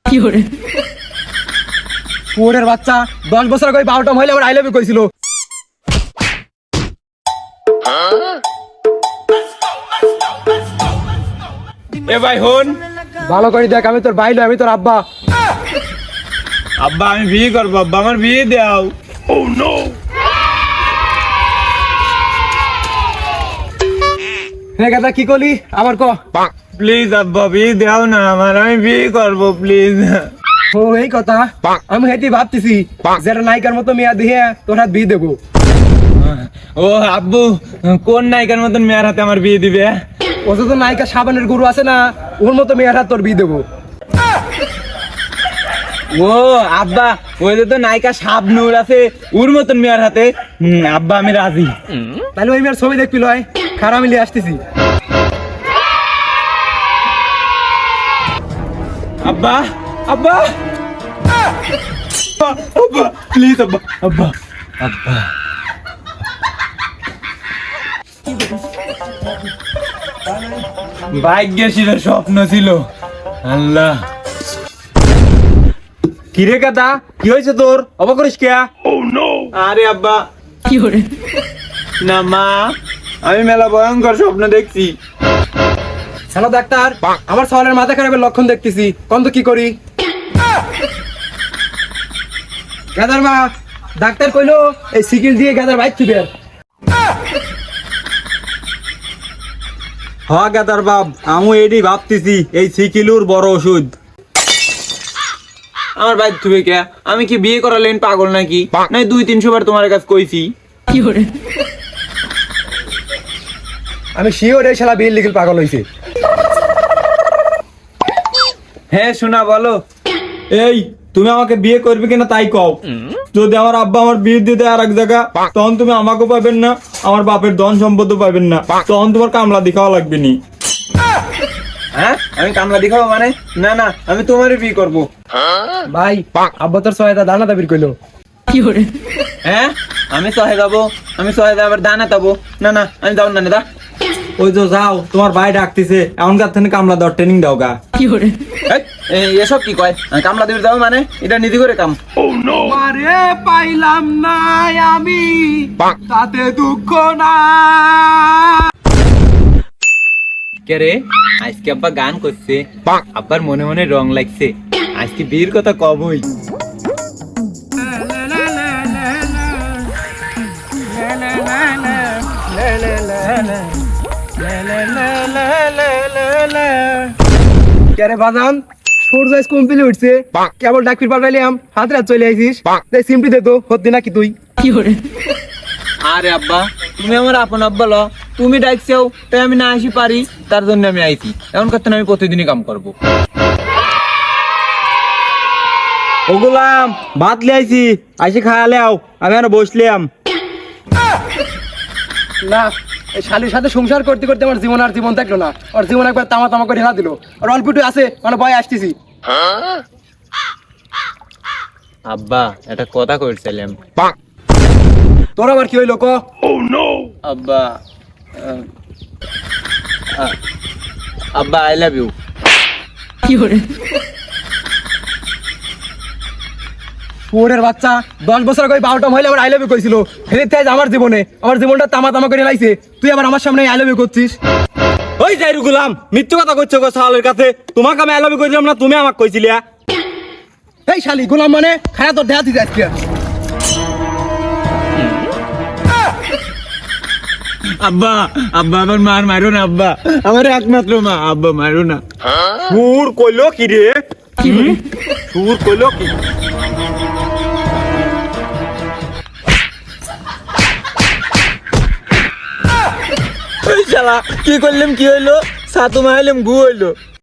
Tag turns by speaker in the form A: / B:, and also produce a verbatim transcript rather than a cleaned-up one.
A: ওরের বাচ্চা দশ বছর আগে বারোটা মহিলা আবার আই লাভ ইউ কইছিল।
B: এ ভাই হন,
A: ভালো করে দেখ, আমি তোর ভাই নই, আমি তোর আব্বা।
B: আব্বা আমি বিয়ে করবো, আব্বা আমার বিয়ে দাও। ও নো,
A: হ্যাঁ গাদা কি করলি আবার ক।
B: প্লিজ আব্বা বিয়ে দাও না আমার, আমি বিয়ে করবো প্লিজ।
A: ও এই কথা, আমি হেঁটে ভাবতেছি যেটা নায়িকার মতো মেয়া দিয়ে তোর হাত বিয়ে দেবো।
B: ও আব্বু, কোন নায়িকার মতন মেয়ের হাতে আমার বিয়ে দিবে?
A: ও তো নায়িকা সাবানের গুরু আছে না, ওর মতো মেয়ের হাত তোর বিয়ে দেবো।
B: ও আব্বা, ওই যে তো নায়িকা শাবনূর আছে, ওর মতন মেয়ের হাতে। হুম, আব্বা আমি রাজি।
A: তাহলে ওই মেয়ের ছবি দেখবি লয়, খারাপ মিলিয়ে আসতেছি।
B: আব্বা আব্বা আব্বা প্লিজ আব্বা আব্বা আব্বা ভাগ্য ছিল, স্বপ্ন ছিল। আল্লাহ, কিরে কাদা কি হয়েছে তোর? অবাক করিস কে? আরে আব্বা না মা, আমি মেলা ভয়ঙ্কর স্বপ্ন দেখছি।
A: হ্যালো ডাক্তার, আমার সওয়ালের মাথা খারাপের লক্ষণ দেখতেছি, কোন তো কি করি? গাদার মা, ডাক্তার কইলো এই সিকিল দিয়ে গাদার বাইক থিবে।
B: হ গাদার বাপ, আমি এডি ভাবতেছি এই সিকিলুর বড় ওষুধ। আমার বাইক থুবে কে? আমি কি বিয়ে করালেন পাগল নাকি? নাই দুই তিনশো বার তোমার কাছে কইছি।
A: আমি শিওর এই শালা বিল লিখিল পাগল হইছে।
B: হ্যাঁ শোনা বলো। এই তুমি আমাকে বিয়ে করবে কিনা তাই কও। যদি আমার আব্বা আমার বিয়ে দিতে আর এক জায়গা, তখন তুমি আমাকেও পাবেন না, আমার বাপের ধন সম্পদও পাবেন না, তখন তোমার কামলা দেখাও লাগবে নি। হ্যাঁ আমি কামলা দেখাবো মানে? না না, আমি তোমারই বিয়ে করবো।
A: ভাই আব্বা তোর সহায়তা দানা দাবির কইলো।
B: হ্যাঁ আমি সহে যাবো, আমি সহে যাবো দানা যাবো। না না আমি যাবো না দা। ওই তো যাও, তোমার ভাই ডাকতেছে, এমনকার থেকে কামলা দেওয়ার ট্রেনিং দাও গা। এসব কি কয়? কামলা দিবে যাবো মানে এটা নিজে করে কাম।
A: আরে পাইলাম না আমি, তাতে দুঃখ না।
B: কে রে, আজকে আব্বা গান করছে, আব্বার মনে মনে রং লাগছে, আজকে বিয়ের কথা কবই।
A: কেরে বাজান, সূর্য আজ কমপ্লিট উঠছে, কেবল ডাকপির পাঠাইলাম, হাত রাত চলে আইছিস, তাই সিমটি দে তো, হতি নাকি তুই?
B: আরে আব্বা, তুমি আমার আপন আব্বা ল, তুমি ডাকছেও তাই আমি না আসি পারি, তার জন্য আমি আইছি। এমন করতে আমি প্রতিদিনই কাম করবো। ও গোলাম, ভাত লে আইছি, আইসি খায়ালে আও, আমি আর বসলাম।
A: না, এই শালির সাথে সংসার করতে করতে আমার জীবন আর জীবন থাকলো না, আর জীবন একবার তামা তামা করে হেলা দিল, আর অল্পটু আছে মানে ভয় আসতেছি।
B: আব্বা একটা কথা কইছিলাম।
A: তোর আবার কি হইলো ক?
B: আব্বা আহ, আহ, আব্বা আই লাভ ইউ।
A: ওরের বাচ্চা দশ বছর আগে বারোটা মহিলা আবার আই লাভ ইউ কইছিল, হেলিতে আজ আমার জীবনে, আমার জীবনটা তামা তামা করে লাইছে, তুই আবার আমার সামনে আই লাভ ইউ করছিস।
B: ওই যাইরু গোলাম, মিথ্যে কথা কইছো গো সালের কাছে, তোমাকে আমি আই লাভ ইউ কইছিলাম না, তুমি আমাকে কইছিলা।
A: এই শালি গোলাম মানে খায়া তোর দেহাতি যায় আজকে।
B: আব্বা আব্বা আমার মার মারো না আব্বা, আমার একমাত্র মা, আব্বা মারো না। সুর কইলো কি রে? সুর কইলো কি? এই শালা কি করলাম, কি হইলো? সাতু মাইলাম গু হইলো।